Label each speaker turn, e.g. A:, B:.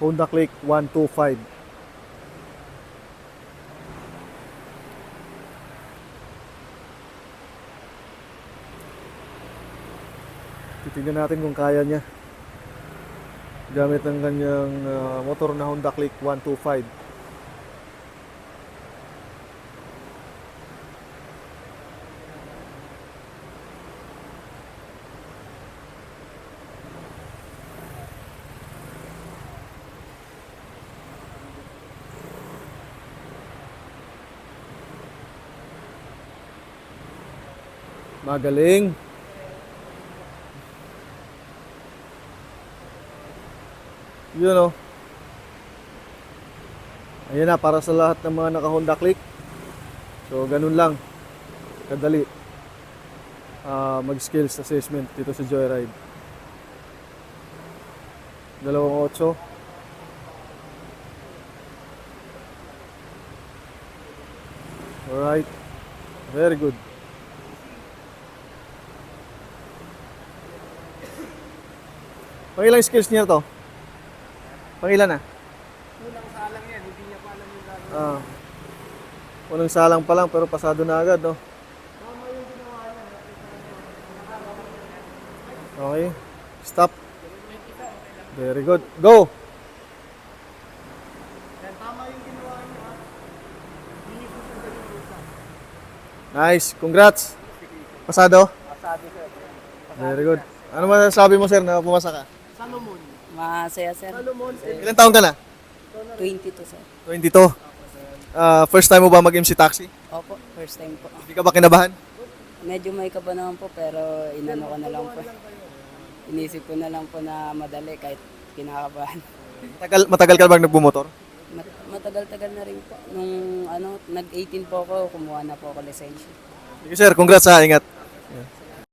A: Honda Click 125. Titignan natin kung kaya niya gamit ng kanyang motor na Honda Click 125. Magaling. Yun o. Ayan na, para sa lahat ng mga naka-Honda Click. So, ganun lang. Kadali. Mag-skills assessment dito sa Joyride. 2.8. Alright. Very good. Pangilang skills niya to? Pangilan na?
B: Unang salang yan, hindi niya pa alam yung gagawin.
A: Unang salang pa lang pero pasado na agad, no?
B: Tama yung ginawa niya.
A: Okay. Stop. Very good. Go!
B: Yan, tama yung ginawa niya. Hindi susundan yung rusa.
A: Nice. Congrats. Pasado?
B: Pasado sir.
A: Very good. Ano masasabi mo, sir, na pumasa ka?
B: Salomon.
C: Masaya, sir.
B: Salomon.
A: Ilan taon ka na?
C: 22, sir.
A: 22. First time mo ba mag-MC Taxi?
C: Opo, first time po.
A: Hindi ka ba kinabahan?
C: Medyo may kaba naman po, pero inano ko na lang po. Inisip ko na lang po na madali kahit kinakabahan.
A: Matagal ka ba nagbumotor?
C: Matagal-tagal na rin po. Nung nag-18 po ako, kumuha na po ako lisensya.
A: Sige, sir. Congrats, ha. Ingat.